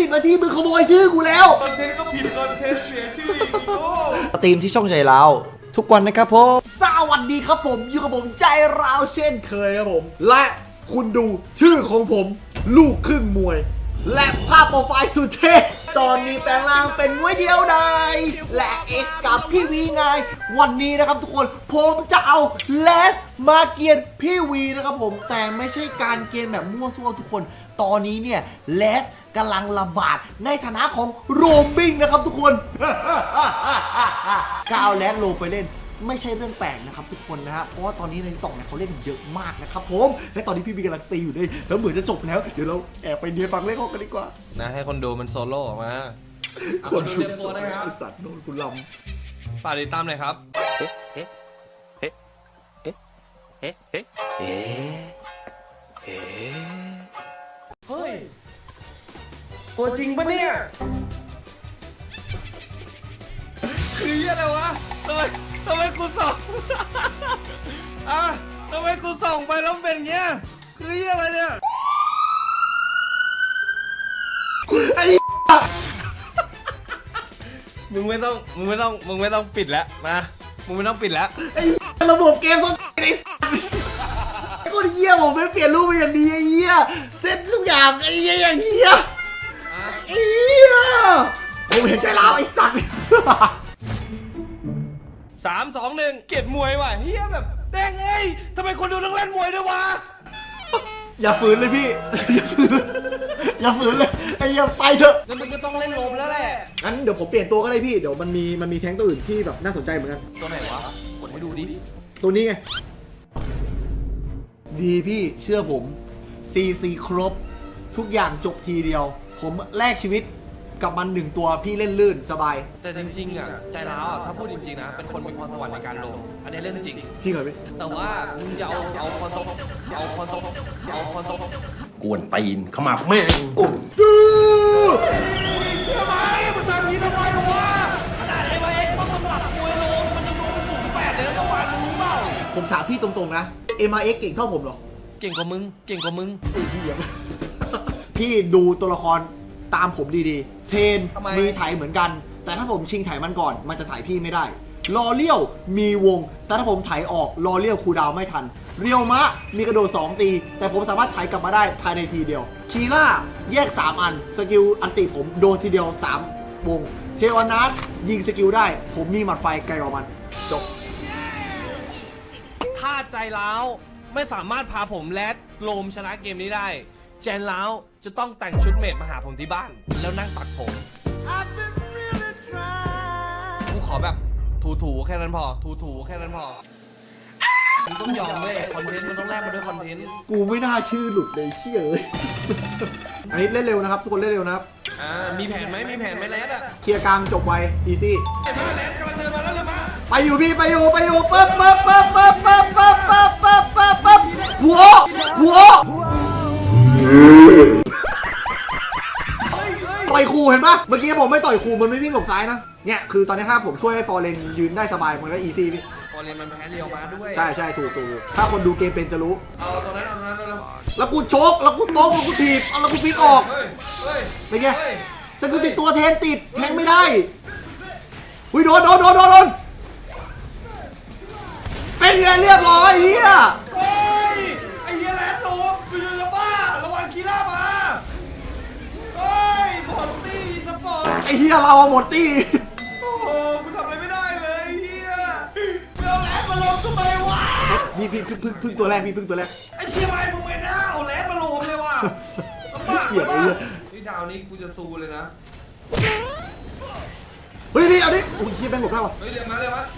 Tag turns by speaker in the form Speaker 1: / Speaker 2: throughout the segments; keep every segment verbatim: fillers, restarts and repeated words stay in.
Speaker 1: บนาทีมึงขโมยชื่อกูแล้ว
Speaker 2: คอนเทนต์ก็ผิดคอนเทนต์เสียชื่ออีกโอ้
Speaker 1: สตรีมที่ช่องใจเราทุกวันนะครับผมสวัสดีครับผมอยู่กับผมใจเราเช่นเคยครับผมและคุณดูชื่อของผมลูกครึ่งมวยและภาพโปรไฟล์สุดเท่ตอนนี้แปลงร่างเป็นมวยเดียวดายและเอ็กซ์กับพี่วีไงวันนี้นะครับทุกคนผมจะเอาเลสมาเกียนพี่วีนะครับผมแต่ไม่ใช่การเกียนแบบมั่วซั่วทุกคนตอนนี้เนี่ยเลสกำลังระบาดในฐานะของโรมบิงนะครับทุกคนก้าวแลสโลไปเล่นไม่ใช่เรื่องแปลกนะครับทุกคนนะฮะเพราะว่าตอนนี้ในติ๊กต็อกเนี่ยเขาเล่นเยอะมากนะครับผมและตอนนี้พี่บีกำลังสตรีมอยู่ด้วยแล้วเหมือนจะจบแล้วเดี๋ยวเราแอบไปเนียฟังเล่นกันดีกว่า
Speaker 2: นะให้คนดูมันโซโล่ออกมา
Speaker 1: คนดูเตรียมตัวนะครับสัตว์โดนคุณล
Speaker 2: ำฝากติดตามหน่อยครับเฮ้เฮ้เฮ้เฮ้เฮ้เฮ้เฮ้เฮ้เฮ้ยตัวจริงปะเนี่ยคืออะไรวะทำไมทำไมกูส่องอ่ะทำไมกูส่องไปแล้วเป็นเงี้ยคืออะไรเนี่ยไอ้มึงไม่ต้องมึงไม่ต้องมึงไม่ต้องปิดแล้วนะมึงไม่ต้องปิดแล้ว
Speaker 1: ไอ้ระบบเกมส้นไอ้ไอ้คนเหี้ยผมไม่เปลี่ยนรูปไปอย่างดีไอ้เหี้ยเซ็ตทุกอย่างไอ้เหี้ยอย่างเหี้ยไอ้เหี้ยผมเห็นใจร้าวไอ้สัตว์
Speaker 2: สามสองหนึ่งเกลียดมวยว่ะเฮียแบบแดงเอ้ยทำไมคนดูต้องเล่นมวยด้วยวะ
Speaker 1: อย่าฝืนเลยพี่อย่าฝืนอย่าฝืนเลยไอ้เหี้ยไปเถอะ
Speaker 2: งั้นมันก็ต้องเล่นลมแล้วแหละ
Speaker 1: งั้นเดี๋ยวผมเปลี่ยนตัวก็ได้พี่เดี๋ยวมันมีมันมีแท้งตัวอื่นที่แบบน่าสนใจเหมือนกัน
Speaker 2: ตัวไหนวะกดให้ดูดิ
Speaker 1: ตัวนี้ไงดีพี่เชื่อผมซีซีครบทุกอย่างจบทีเดียวผมแลกชีวิตกับมันหนึ่งตัวพี่เล่นลื่นสบาย
Speaker 2: แต่จริงๆอ่ะใจร้าวอ่ะถ้าพูดจริงๆนะเป็นคนมีพรสวรรค์ในการลงอันนี้เรื่องจริง
Speaker 1: จริงเหรอพี่
Speaker 2: แต่ว่ามึงอย่าเอาเอาพรสวรรค์เอาพรสวรรค์เอาพรสวรรค์
Speaker 3: กวนตีนขมับแม่ง
Speaker 1: ซื้อ
Speaker 2: ทำไมมันทำนี้ทำไมวะขนาดไอ้เอ็กซ์ต้องสมัครมวยลงมันยังลงสูงแปดเลยเมื่อวานมึงรู้เปล่า
Speaker 1: ผมถามพี่ตรงๆนะ เอ็ม อาร์ เอ็กซ์ เก่งเท่าผมหรอ
Speaker 2: เก่งกว่ามึงเก่งกว่ามึง
Speaker 1: พี่ดูตัวละครตามผมดีๆเทนมีไถเหมือนกันแต่ถ้าผมชิงไถมันก่อนมันจะไถพี่ไม่ได้ลอเลี้ยวมีวงแต่ถ้าผมไถออกลอเลี้ยวคูดาวไม่ทันเรียวมะมีกระโดดสองตีแต่ผมสามารถไถกลับมาได้ภายในทีเดียวคีล่าแยกสามอันสกิลอันติผมโดนทีเดียวสามวงเทวานัสยิงสกิลได้ผมมีหมัดไฟไกลกว่ามันจบ
Speaker 2: ถ้าใจร้าวไม่สามารถพาผมแลดโลมชนะเกมนี้ได้แจนล้าวจะต้องแต่งชุดเมดมาหาผมที่บ้านแล้วนั่งตักผมกูขอแบบถูๆแค่นั้นพอถูๆแค่นั้นพอมึงต้องยอมเว้ยคอนเทนต์มันต้องแลกมาด้วยคอนเทนต์
Speaker 1: กูไม่น่าชื่อหลุดเลยเชี่ยเลยอันนี้เล่นเร็วนะครับทุกคนเล่นเร็วนะครับ
Speaker 2: อ่ามีแผนไหมมีแผนไหมแลดอะ
Speaker 1: เคลียร์กลางจบไวอีซี่
Speaker 2: มาแลดกำลังเดินมาแล้วเลยมา
Speaker 1: ไปอยู่พี่ไปอยู่ไปอยู่ปั๊บปั๊บปั๊บปั๊บปั๊บปั๊บปั๊บปั๊บปั๊บปั๊บหัวหัวต่อยครูเห็นปะเมื่อกี้ผมไม่ต่อยครูมันไม่วิ่งหลบซ้ายนะเนี่ยคือตอนนี้ถ้าผมช่วยให้ฟอร์เรนยืนได้สบายมันก็อีซี่พี่
Speaker 2: ฟอร์เรนมันแพ้เรียวมาด้วย
Speaker 1: ใช่ใช่ถูกถูกถ้าคนดูเกมเป็นจะรู้
Speaker 2: เอาตรงนั้นเอาตรงนั้นแล้ว
Speaker 1: แล้วกูชกแล้วกูโต๊ะแล้วกูถีบแล้วกูฟิกออกเป็นไงแต่กูติดตัวแทนติดแทงไม่ได้อุ้ยโดนโดนโดนโดนเป็นไงเรียบร้อยเฮีย
Speaker 2: เฮ้ยไอ้เฮียแลนด์โลมไปดูนะบ้าระวังคีร่ามาเฮ้ยหมดตี้สปอร์ต
Speaker 1: ไอ้เฮียเราหมดตี้
Speaker 2: โอ้โหกูทำอะไรไม่ได้เลยเฮียเอาแลนด์มาลงทำไมวะ
Speaker 1: พี่พี่พึ่งพึ่งพึ่งตัวแรกพี่พึ่งตัวแรก
Speaker 2: ไอ้เชียร์ไอ้มึงไม่น่าเอาแลนด์มาลงเลยว่ะ
Speaker 1: เกลียดเลย
Speaker 2: นี่ดาวนี้กูจะซูเลยนะ
Speaker 1: เฮ้ยนี่เอาดิโอ้ยเฮียแบงค์หลบได้วะ
Speaker 2: เฮ้ยเรียกมาเรียกมา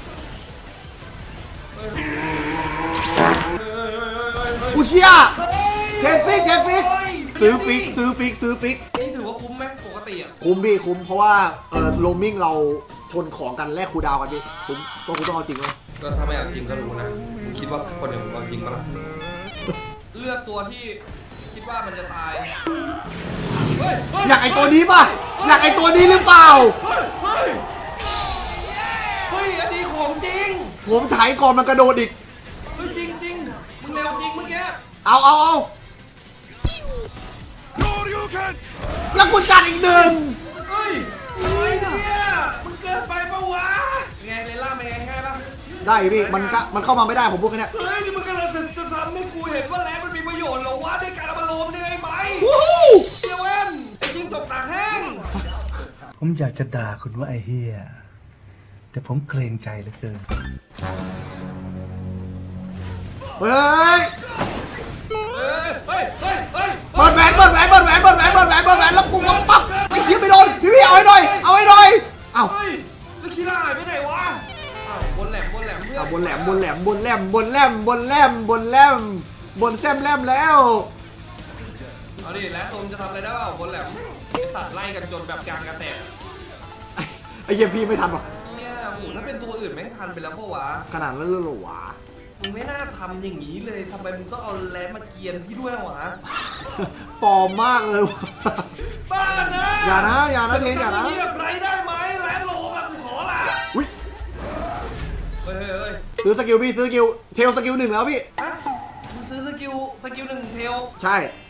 Speaker 1: อุเชียเทนฟิกเทนฟิกซื้อฟิกซื้อฟิกซื้อฟิก
Speaker 2: นี่ถือว่าคุ้มไหมปกติอ่ะ
Speaker 1: คุ้มพี่คุ้มเพราะว่าเออโรมมิ่งเราชนของกันแลกคูดาวกันพี่คุ้มก็คุณต้องเอาจริงเลย
Speaker 2: ก็ถ้าไม่เอาจริงก็รู้นะคิดว่าคนอย่างผมเอาจริงปะล่ะเลือกตัวที่คิดว่ามันจะตาย
Speaker 1: อยากไอตัวนี้ป่ะอยากไอตัวนี้หรือเปล่า
Speaker 2: เฮ้ยอันนี้ของจริง
Speaker 1: ผมถ่ายก่อนมันกระโดดอีก
Speaker 2: เฮ้ยจริงจริงมึงเร็วจริงเมื่อกี้
Speaker 1: เอาเอาเอาแล้วกูจัดอีกหนึ่ง
Speaker 2: เฮ้ยอะไรเนี่ยมึงเกินไปปะวะไงเลล่าเป็นไงง่ายปะ
Speaker 1: ได้พี่มันก็มันเข้ามาไม่ได้ผมพูดแค่เนี้ย
Speaker 2: เฮ้ยนี่มึงกำลังจะทำให้กูเห็นว่าแรงมันมีประโยชน์เหรอวะในการเอามาโลมได้ไหม
Speaker 1: วู้
Speaker 2: เดี๋ยวเว้นไอ้ยิงตกตากแห้ง
Speaker 4: ผมอยากจะด่าคุณว่าไอ้เฮียแต่ผมเกรงใจเหลือเกิน
Speaker 1: เฮ้ย
Speaker 2: เฮ้ยเฮ้ยเฮ้ยเฮ้ย
Speaker 1: เปิดแหวนเปิดแหวนเปิดแหวนเปิดแหวนเปิดแหวนเปิดแหวนแล้วกูก็ปั๊บไอ้เชี่ยไปโดนพี่พี่เอาให้หน่อยเอาให้หน่อยเอ้า
Speaker 2: เฮ้ยแล้วคีร่าหายไปไหนวะอ้าวบนแหลมบนแหลมเพื่อน
Speaker 1: เอาบนแหลมบนแหลมบนแหลมบนแหลมบนแหลมบนแหลมบนแซมแหลมแล้ว
Speaker 2: เอาดิแล้วตมจะทำอะไรได้เปล่าบนแหลมไอสัตว์ไล่กันจนแบบกลางกระแตก
Speaker 1: ไอ้เหี้ยพี่ไม่ทันหรอก
Speaker 2: เนี่ยโหถ้าเป็นตัวอื่นแม่งทันไปแล้วปะวะ
Speaker 1: ขนาดนั้นเลยเหรอวะ
Speaker 2: มึงไม่น่าทำอย่างนี้เลยทำไมมึงต้องเอาแรมมาเกียนพี่ด้วยวะ
Speaker 1: ปลอมมากเลยวะ
Speaker 2: บ้านะ
Speaker 1: อย่านะอย่านะเทนอย่านะ
Speaker 2: ทำงนี้กับไรได้ไหมแรมโลมากูขอละ
Speaker 1: อุ้ย
Speaker 2: เฮ้ยเฮ้ยเฮ้ย
Speaker 1: ซื้อสกิลพี่ซื้อสกิลเทลสกิลหนึ่งแล้วพี่
Speaker 2: ฮะมึงซื้อสกิลสกิลหนึ่งเทล
Speaker 1: ใช่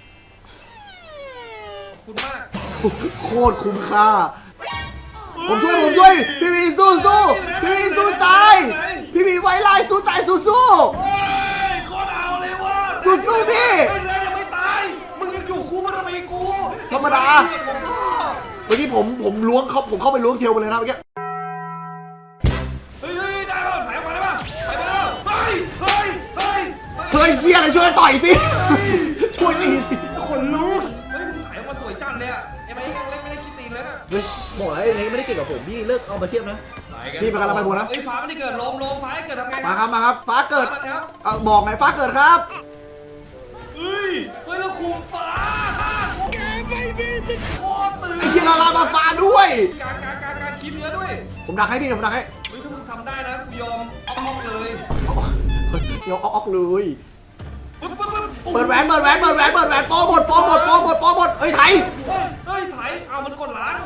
Speaker 2: ขอบคุณมาก
Speaker 1: โคตรคุ้มค่าผมช่วยผมช่วยพี่พีสู้สู้พี่พีสู้ตายพี่พีไว้ลายสู้ตายสู้สู้
Speaker 2: โอ้ยโคตรเอาเลยว่ะ
Speaker 1: สู้ๆพี่
Speaker 2: ไอ้แรมยังไม่ตายมึงยังอยู่คู่มันทำไมกู
Speaker 1: ธรรมดา เมื่อกี้ผมผมล้วงเขาผมเข้าไปล้วงเทลไปเลยนะเมื่อกี้
Speaker 2: เฮ้ยเฮ้ยได้ป่ะไหนออกมาได้ป่ะไปได้ป่ะเฮ้ยเฮ้ยเฮ้ย
Speaker 1: เฮ้ยเชี่ยเลยช่วยต่อยสิช่วยตีสิ
Speaker 2: คนลุกเฮ้ยมึงถ่ายออกมาสวยจังเลยอะไอ้ไม้ยังเล่นไม่ได้คิดตีนเลยนะ
Speaker 1: เฮ้ยบอกแล้วไอ้นี่ไม่ได้เกี่ยวกับผมพี่เลิกเอามาเทียบนะ พี่ไปกันแล้วไปบนนะ
Speaker 2: เฮ้ยฟ้าไม่ได้เกิดลมลมฟ้าให้เกิดทำไง
Speaker 1: มาครับมาครับฟ้าเกิด
Speaker 2: ฟ้าครับ
Speaker 1: เอาบอกไงฟ้าเกิดครับ
Speaker 2: เฮ้ยเฮ้ยแล้วคุมฟ้าแกไม่มีสิทธิ์โคตรตื่น
Speaker 1: ไอ้เชี่ยลาลามาฟ้าด้วย
Speaker 2: กากากากาคิดเยอะด้วย
Speaker 1: ผมดักให้พี่ผมดักให้
Speaker 2: เฮ้ยถ้ามึงทำได้นะกูยอมเอาออกเลย
Speaker 1: เดี๋ยวเอาออกเลย
Speaker 2: ปึ๊บปึ๊บปึ๊บ
Speaker 1: เปิดแหวนเปิดแหวนเปิดแหวนเปิดแหวนโปหมดโปหมดโปหมดโปหมดเอ้ยไถ
Speaker 2: เฮ้ยเฮ้ยถ่ายเอามันกดล้าง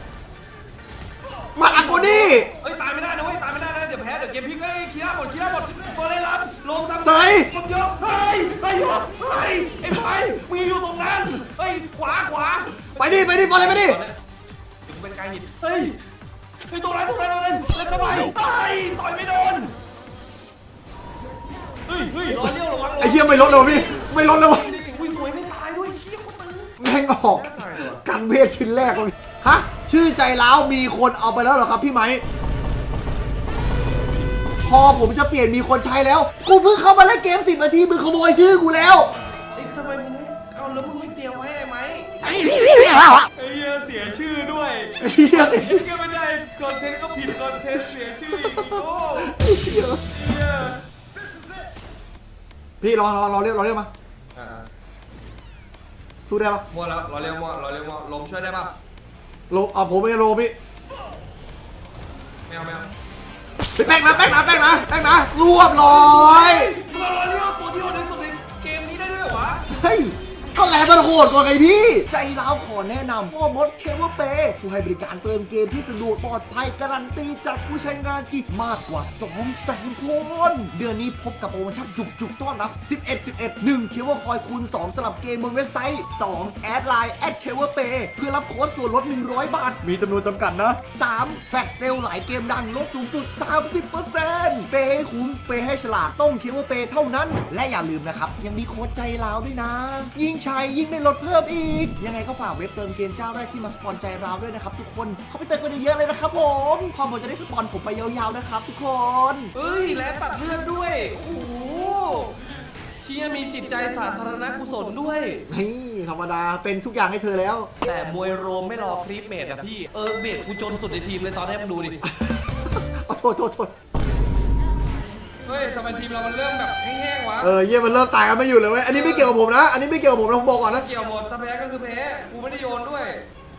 Speaker 1: มาอักโกนี่
Speaker 2: เฮ้ยตายไม่ได้นะเว้ยตายไม่ได้นะเดี๋ยวแพ้เดี๋ยวเกมพลิกเฮ้ยเคลียร์หมดเคลียร์หมดโฟเรลับลงทำ
Speaker 1: เฮ้ย
Speaker 2: คนเยอะเฮ้ยเฮ้ยเฮ้ยไอ้ไผ่มึงอยู่ตรงนั้นเฮ้ยขวาขวา
Speaker 1: ไปดิไปดิฟอลเลยไปดิ
Speaker 2: เดี๋ยวกูเป็นการหินเฮ้ยเฮ้ยตรงนั้นตรงนั้นตรงนั้นเล่นเข้าไปตายต่อยไม่โดนเฮ้ยเฮ้ยรอเลี้ยวระวัง
Speaker 1: ไอ้เหี้ยไม่ลดเลยวะพี่ไม่ลดเลยวะ
Speaker 2: อุ้ยสวยไม่ตายด้วยเชี่ยคนตึง
Speaker 1: แม่งออกกันเวทชิ้นแรกเลยฮะชื่อใจร้าวมีคนเอาไปแล้วเหรอครับพี่ไหมพอผมจะเปลี่ยนมีคนใช้แล้ว กูเพิ่งเข้ามาเล่นเกมสิบนาทีมึงขโมยชื่อกูแล้ว
Speaker 2: เอ้ยทำไมมึงไม่เอาแล้วมึงไม่เตรียมไว้ไอ้ไหม
Speaker 1: ไอ้เหี้ย
Speaker 2: ไอ้เหี้ยเสียชื่อด้วย
Speaker 1: ไอ้เหี้ย
Speaker 2: ไอ้เหี้ยไม่ได้คอนเทนต์ก็ผิดคอนเทนต์เสียชื่ออีกโอ้เหี้ย
Speaker 1: พี่รอรอรอเรียกรอเรียกมา
Speaker 2: อ่า
Speaker 1: สู้ได้ปะ
Speaker 2: มัวแล้วรอเร็วมัวรอเร็วมัวลมช่วยได้ป่ะ
Speaker 1: โลเอาผมไม่ได้โลพี่
Speaker 2: ไม่เอาไม่เอา
Speaker 1: แป้งนะแป้งนะแป้งนะแป้งนะรวบร้อย
Speaker 2: มึงเอารอเร็วตัวที่โหดที่สุดในเกมนี้ได้ด้วยเหรอวะ
Speaker 1: เฮ้ยก็แลมันโหดกว่าไงพี่ ใจร้าวขอแนะนำพ่อมดเคเบิลเปย์ผู้ให้บริการเติมเกมที่สะดวกปลอดภัยการันตีจากผู้ใช้งานที่มากกว่าสองแสนคน เดือนนี้พบกับโปรโมชั่นจุกๆต้อนรับ สิบเอ็ด สิบเอ็ด หนึ่งเคเบิลคอยคูณสองสำหรับเกมบนเว็บไซต์ สอง แอดไลน์แอดเคเบิลเปย์เพื่อรับโค้ดส่วนลดหนึ่งร้อยบาท มีจำนวนจำกัดนะ สาม แฟลชเซลหลายเกมดังลดสูงสุด สามสิบเปอร์เซ็นต์ เปย์ให้คุ้มเปย์ให้ฉลาดต้องเคเบิลเปย์เท่านั้น และอย่าลืมนะครับยังมีโค้ดใจร้าวด้วยนะ ยิ่งใช้ยิ่งได้ลดเพิ่มอีก ยังไงก็ฝากเว็บเติมเกมเจ้าแรกที่มาสปอนใจเราด้วยนะครับทุกคนเข้าไปเติมกันเยอะๆเลยนะครับผมพอผมจะได้สปอนผมไปยาวๆนะครับทุกคน
Speaker 2: เอ้ยแล้วตัดเลือดด้วยโอ้โหเชี่ยมีจิตใจสาธารณกุศลด้วย
Speaker 1: นี่ธรรมดาเป็นทุกอย่างให้เธอแล้ว
Speaker 2: แต่มวยโรมไม่รอคลิปเมดอะพี่เออเมดกูจนสุดในทีมเลยตอนนี้มึงดูดิ
Speaker 1: เอาโทษโทษโทษ
Speaker 2: เฮ้ยทำไมทีมเรามันเริ่มแบบแห้งๆวะ
Speaker 1: เออเยี่ยมันเริ่มตายกันไม่อยู่เลยเว้ยอันนี้ไม่เกี่ยวกับผมนะอันนี้ไม่เกี่ยวกับผมนะผมบอกก่อนนะ
Speaker 2: เกี่ยวหมดถ้าแพ้ก็คือแพ้กูไม่ได้โยนด้วย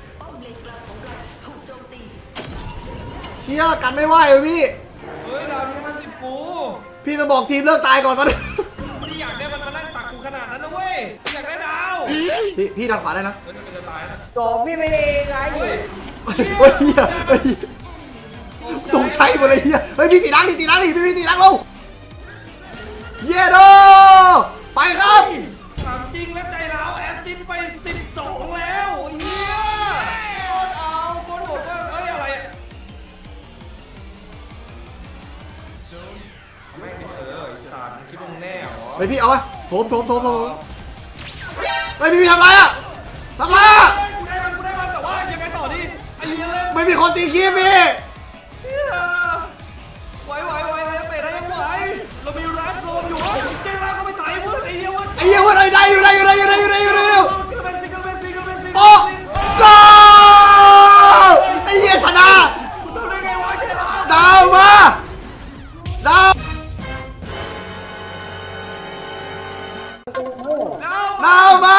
Speaker 1: เชี่ยกันไม่ไหวเลยพี่
Speaker 2: เฮ้ยดาวนี้มันสิบกู
Speaker 1: พี่จะบอกทีมเลิกตายก่อนตอนนี้
Speaker 2: ไม่ได้อยากได้มันมานั่งตักกูขนาดนั้นนะเว้ยอยากได้ดาว
Speaker 1: พี่พี่ดันขวาได้นะ
Speaker 2: เฮ้ยมันจะตายนะ
Speaker 5: โกพี่ไม่ได้ไง
Speaker 2: เฮ้ย
Speaker 1: เฮ้ยเฮียเฮ้ยตรงใช้หมดเลยเฮียเฮ้ยพี่ตีนังดิตีนังดิพี่พี่ตีนังลงเยโดไปครับ
Speaker 2: ถามจริงแล้วใจเราแอสซิดไปสิบสองแล้ว
Speaker 1: ไปพี่เอาไปโถมโถมโถมโถมไม่พี่ทำไรอะทำไรอะ
Speaker 2: กูได้มันกูได้มันแต่ว่ายังไงต่อดีไอ้เหี้ยเลย
Speaker 1: ไม่มีคนตีคีบพี่
Speaker 2: ไหวไหวไหวไหวเตะได้ยังไหวเรามีรัสโรมอยู่เจ๊รัสก็ไม่ตายเว้ยไอ้เหี้ยเว้ย
Speaker 1: ไอ้เหี้ยวันไหนได้อยู่ได้อยู่ได้อยู่ได้อยู่ได้อยู่ได้อยู่
Speaker 2: ซิงเกิลเป็นซิงเกิลเป็นซิงเกิลเป็นซิงเกิล
Speaker 1: โอ้กอไอ้เหี้ยชนะ
Speaker 2: กูทำได้ไงวะเจ๊รัส
Speaker 1: ดาวมาดาวดาวมา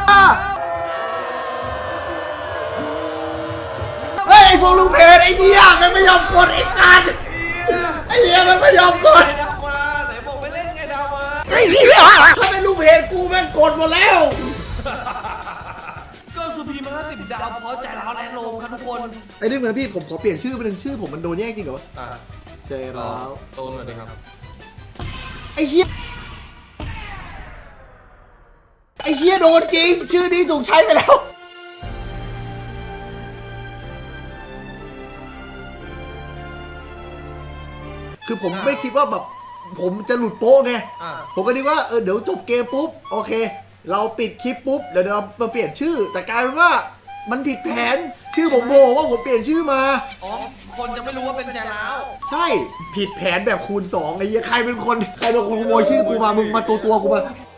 Speaker 1: เฮ้ยไอ้พวกลูกเพจไอ้เหี้ยมันไม่ยอมกดไอ้สัตว์ไอ้เหี้ยมันไม่ยอมกด
Speaker 2: ไอ้ดาวมาไหนบอกไม่เล่นไงดาวมา
Speaker 1: ไอ้เหี้ยถ้าเป็นลูกเพจกูแม่งกดหมดแล้ว
Speaker 2: ก็สุพีมาห้าสิบดาวเพราะใจร้าวแอนโลมครับทุกคน
Speaker 1: ไอ้นี่เหมือนพี่ผมขอเปลี่ยนชื่อไปหนึ่งชื่อผมมันโดนแย่งจริงเหรอวะ
Speaker 2: อ่ะ
Speaker 1: ใจร้าว
Speaker 2: โตหน่อยดิครับ
Speaker 1: ไอ้เหี้ยไอ้เหี้ยโดนจริงชื่อนี้ถูกใช้ไปแล้วคือผมไม่คิดว่าแบบผมจะหลุดโป๊ะไง
Speaker 2: อ่ะ
Speaker 1: ผมก็นึกว่าเออเดี๋ยวจบเกมปุ๊บโอเค เราปิดคลิปปุ๊บเดี๋ยวเรามาเปลี่ยนชื่อ แต่กลายเป็นว่ามันผิดแผนชื่อผมโบว่าผมเปลี่ยนชื่อมา
Speaker 2: อ๋อคนจะไม่รู้ว่าเป็นใจร้าว
Speaker 1: ใช่ผิดแผนแบบคูณสองไอ้เหี้ยใครเป็นคนใครเป็นคนขโมยชื่อกูมามึงมาตัวตัวๆกูมา